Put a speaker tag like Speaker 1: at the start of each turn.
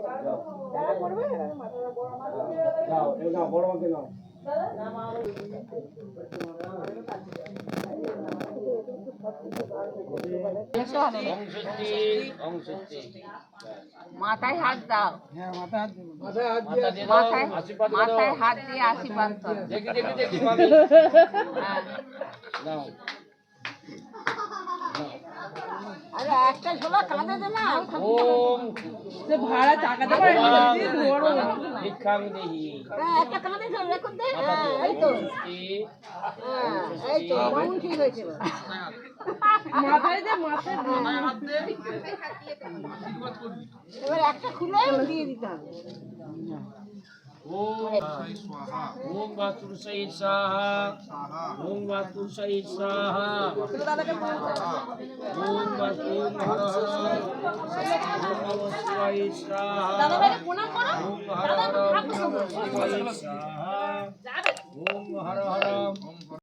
Speaker 1: যাও এ নাও বড় মাকে নাও
Speaker 2: মাথায় হাত দাও।
Speaker 1: হ্যাঁ মাথায় হাত দেব
Speaker 2: মাথায় হাত দিয়ে আশীর্বাদ করো।
Speaker 1: দেখি দেখি দেখি মামি নাও
Speaker 2: আরে একটা ঝোলা কাঁদে দে না।
Speaker 1: ওম
Speaker 2: সে ভাড়া চাকাতে পারে না।
Speaker 1: ভিক্ষাং দেহি
Speaker 2: একটা কাঁদে ঝোলা রেখে দে। এই তো এই তো মাউন ঠিক হয়েছে। মাথায় দে মাথায় হাত দে। এবার একটা খুলে দিয়ে দিতে হবে।
Speaker 1: ওম বাতুরসাই সাহা ওম বাতুরসাই সাহা ওম বাতুর হর হর ওম নমঃ শিবায় সাহা
Speaker 2: দাদা ভাই প্রণাম করো।
Speaker 1: ওম হর হর ওম নমঃ শিবায় সাহা ওম হর